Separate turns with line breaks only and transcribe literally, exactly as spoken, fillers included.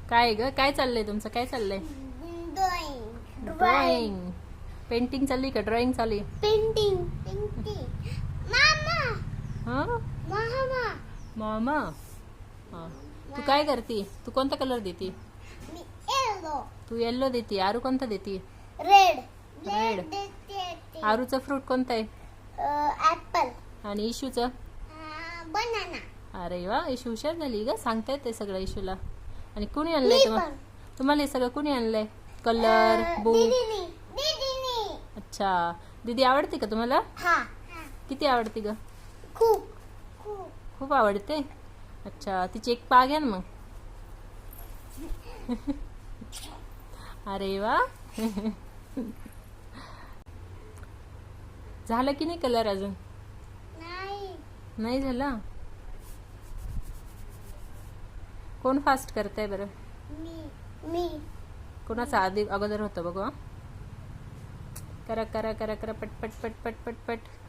काय ग काय चाललंय तुमचं? काय चाललंय?
Drawing
drawing. पेंटिंग चालली का ड्रॉइंग चालली?
पेंटिंग पेंटिंग मामा
हा
मामा
मामा. हा तू काय करती? तू कोणता कलर देती?
मी येलो
तू येल्लो देती. आरू कोणता देती?
Red
red.
देते
आरूचं फ्रूट कोणतं आहे?
ऍपल
आणि इशूचं?
बनाना
अरे वा, इशू हुशार झाली ग, सांगता येते सगळं इशूला. आणि कुणी आणलंय
मी
तुम्हाला?
पण.
तुम्हाला हे सगळं कुणी आणलंय? Colour, book.
दीदीनी दीदीनी
अच्छा, दीदी आवडते का तुम्हाला?
हा
किती आवडते ग?
खूप खूप
खूप आवडते. अच्छा, तिची एक पाग आहे ना मग. अरे वा. झालं की नाही कलर अजून?
नाही
नाही झाला. कोण फास्ट करतंय बरं?
मी मी
कोणाचं आधी अगोदर होतं बघू. हं. करा करा करा करा पट पट पट पट पट पट.